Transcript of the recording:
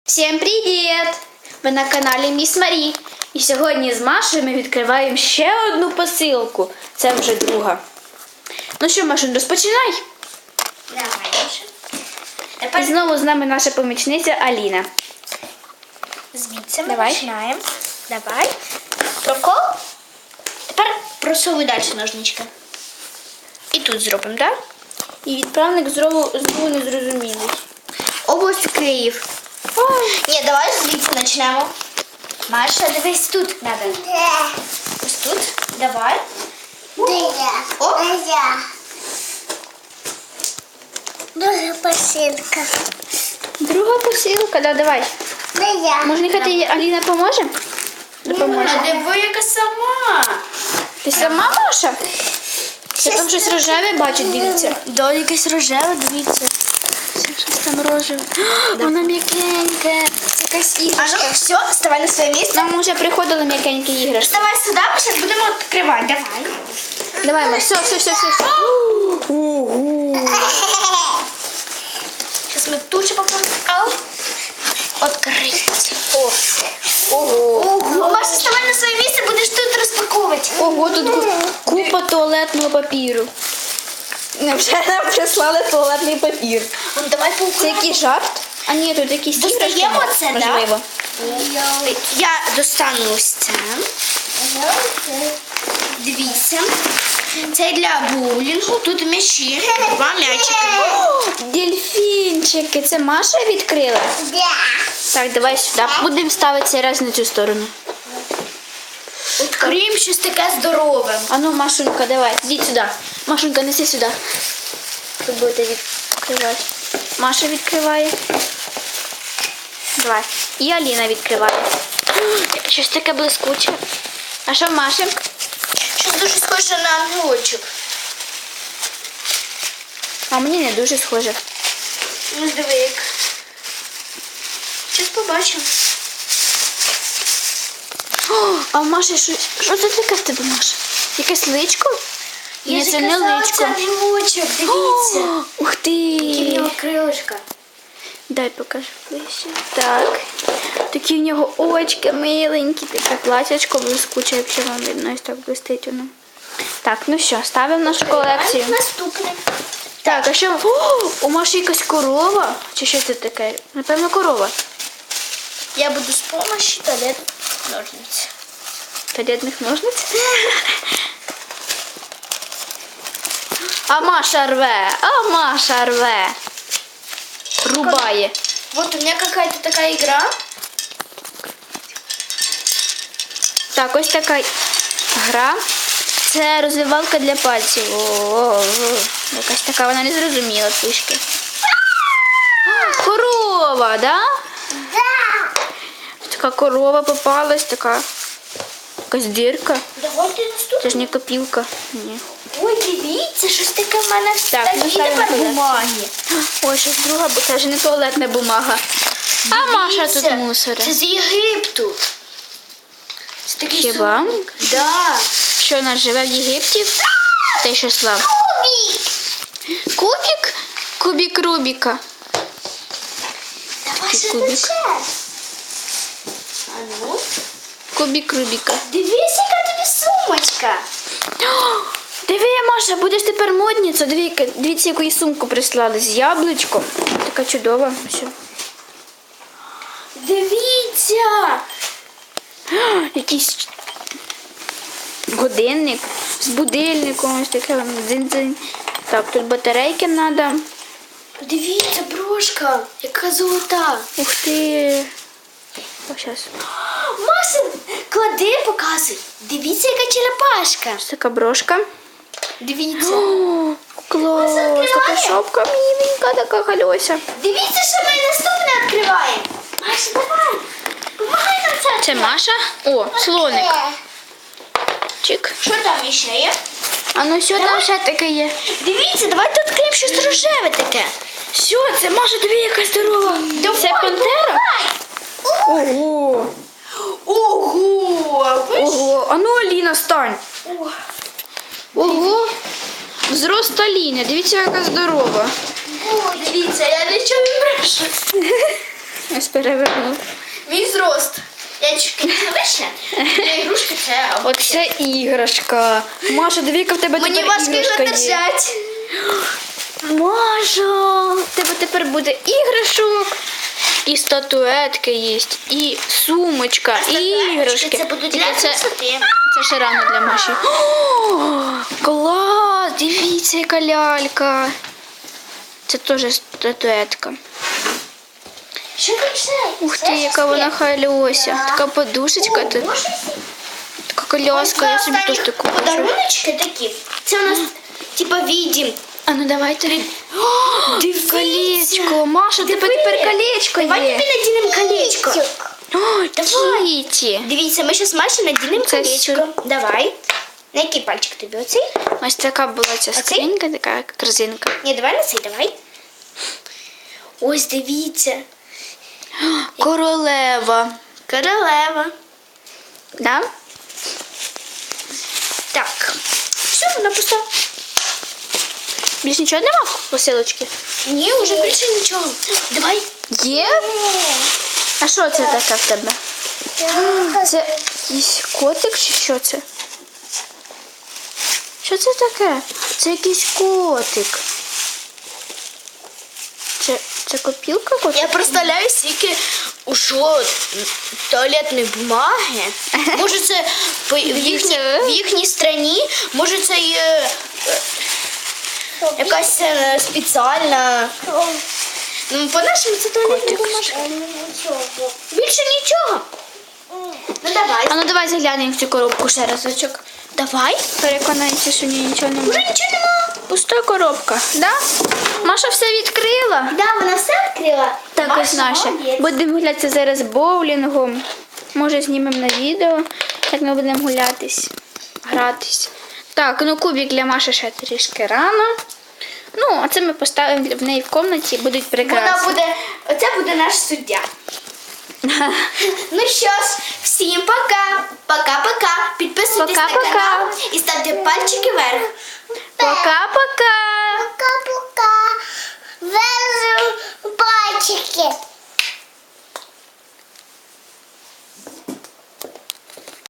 Всім привіт! Ви на каналі Міс Марі. І сьогодні з Машею ми відкриваємо ще одну посилку. Це вже друга. Ну що, Машин, розпочинай. Давай, І знову з нами наша помічниця Аліна. Звідси ми Давай. починаємо. Давай. Прокол. Тепер просовуй далі ножнички. І тут зробимо, так? І відправник знову незрозумілий. Область Київ. Ні, давай звідси почнемо. Маша, дивись тут надо. Ось тут. Давай. Оп. Дуже посилка. Друга посилка, да, давай. Може, нехай тобі Аліна поможе? Допоможе. Диви, яка сама. Ти сама, Маша? Я там щось рожеве бачу, дивіться. Да, якесь рожеве, дивіться. Щось там рожеве. Воно м'якеньке. Якась А ну, іграшка. все, вставай на своє місце. Нам вже приходили м'якенькі іграшки. Вставай сюди, ми зараз будемо відкривати. Давай. Давай, Маш, все. Ого. Зараз ми тут ще попробуємо. Ау. Открыть. О. Ого. Ого. Маша, вставай на своє місце, будеш тут розпаковувати. Ого, тут купа туалетного папіру. Вже нам прислали туалетний папір. Ну, давай Це поукладемо. який жарт? А ні, тут якісь Достаємо іграшки, це, да? можливо. Я достану ось це. Дивіться. Це для боулінгу. Тут м'ячі. Два м'ячики. Дельфінчики. Це Маша відкрила? Так, давай сюди. Будемо ставити цей раз на цю сторону. Відкриємо щось таке здорове. А ну, Машунька, давай, йди сюди. Машунька, неси сюди. Тут будете відкривати. Маша відкриває. Давай. І Аліна відкриває. Щось таке блискуче. А що в Маші? Щось дуже схоже на ангелочок. А мені не дуже схоже. Ну, диви як. Щось побачимо. О, а в Маші що це таке в тебе, Маша? Якесь личко? Ні, це не личко. Це ангелочок, дивіться. О, ух ти! Які в нього крилишка. Дай покажу ближче. Так. Такі в нього очки миленькі, таке платячко блискуче, якщо вам видно, ось так блистить воно. Так, ну що, ставимо нашу колекцію. Наступне. Так, а що? О, у Маші якась корова? Чи що це таке? Напевно, корова. Я буду з допомогою туалет ножниць. Туалетних ножниць. А Маша рве. Рубає. Вот у меня какая-то такая игра. Так, ось така гра. Це розвивалка для пальців. О, якась така, вона не зрозуміла трішки. Корова, да? Така корова попалась, така якась дірка. Давайте наступне. Це ж не копілка. Ні. Ой, дивіться, щось таке в мене Так, ну, такі ставимо тепер туди. бумаги. Ой, щось друга, бо це ж не туалетна бумага. А Маша тут Дивіться, мусора. Це з Єгипту. Це такий Хіба? сумник. Да. Що вона живе в Єгипті? Та й що слав? Кубик. Кубик? Кубик Рубіка. Давай ще кубик. ще. А ну. Кубик Рубіка. Дивись, яка тобі сумочка. О, диви, Маша, будеш тепер модниця. Дивіться, яку їй сумку прислали з яблучком. Така чудова. Все. Дивіться. О, якийсь годинник з будильником. Ось таке дзинь-дзинь. Так, тут батарейки треба. Дивіться, брошка, яка золота. Ух ти. О, зараз. Маша, клади, показуй. Дивіться, яка черепашка. Ось така брошка. Дивіться. О, клас. відкриває? Така шапка міленька, така хальося. Дивіться, що ми наступне відкриваємо. Маша, давай. Помагай нам це. Це Маша. О, слоник. Чик. Що там ще є? А ну що там ще таке є? Дивіться, давайте відкриємо щось рожеве таке. Що це? Маша, тобі яка здорова. Це пантера? Ого. Ого! Ого. А ну, Аліна, стань. Ого. Зрост Аліни. Дивіться, яка здорова. О, дивіться, я нічого не брешу. Ось перевернув. Мій зрост. Я чуть не вище. Для ігрушки це Оце іграшка. Маша, дивіться, в тебе мені тепер важко його іграшка є. держати. Маша, в тебе тепер буде іграшок. І статуетки є, і сумочка, і іграшки. Це будуть Тільки для це, красоти. це ще рано для Маші. О, клас! Дивіться, яка лялька. Це теж статуетка. Що це? Ух ти, яка вона хальося. Така подушечка тут. Така коляска, я собі теж таку хочу. Подаруночки такі. Це у нас типа відім. А ну давайте. Колечко. Маша, тебе тепер колечко Давай є. тобі надінемо колечко. Ой, Кіті. Дивіться, ми зараз Маші надінемо Це колечко. Давай. На який пальчик тобі? Оцей? Ось така була ця скринька, така як корзинка. Ні, давай на цей, давай. Ось дивіться. Королева. Королева. Да? Так. Все, вона пуста. Більш нічого нема в посилочці? Ні, вже більше нічого. Давай. Є? А що це таке в тебе? Це якийсь котик чи що це? Що це таке? Це якийсь котик. Це копілка котик? Я представляю, скільки ушло туалетної бумаги. Може це в їхній страні, може це якась спеціальна. Ну, по-нашому це туалетна бумажка. Більше нічого. Ну давай. А ну давай заглянемо в цю коробку ще разочок. Давай. Переконаємося, що в ній нічого Уже немає. нічого нема. Пуста коробка, да? Маша все відкрила. Да, вона все відкрила. Так, Маша ось наше. молодець. Будемо гулятися зараз боулінгом. Може, знімемо на відео, як ми будемо гулятись, гратись. Так, ну кубик для Маші ще трішки рано. Ну, а це ми поставимо в неї в кімнаті, будуть прекрасні. Оце буде наш суддя. Ну що ж, всім пока. Пока-пока. Підписуйтесь на Пока-пока. канал і ставте пальчики вверх. Пока-пока! Пока-пока.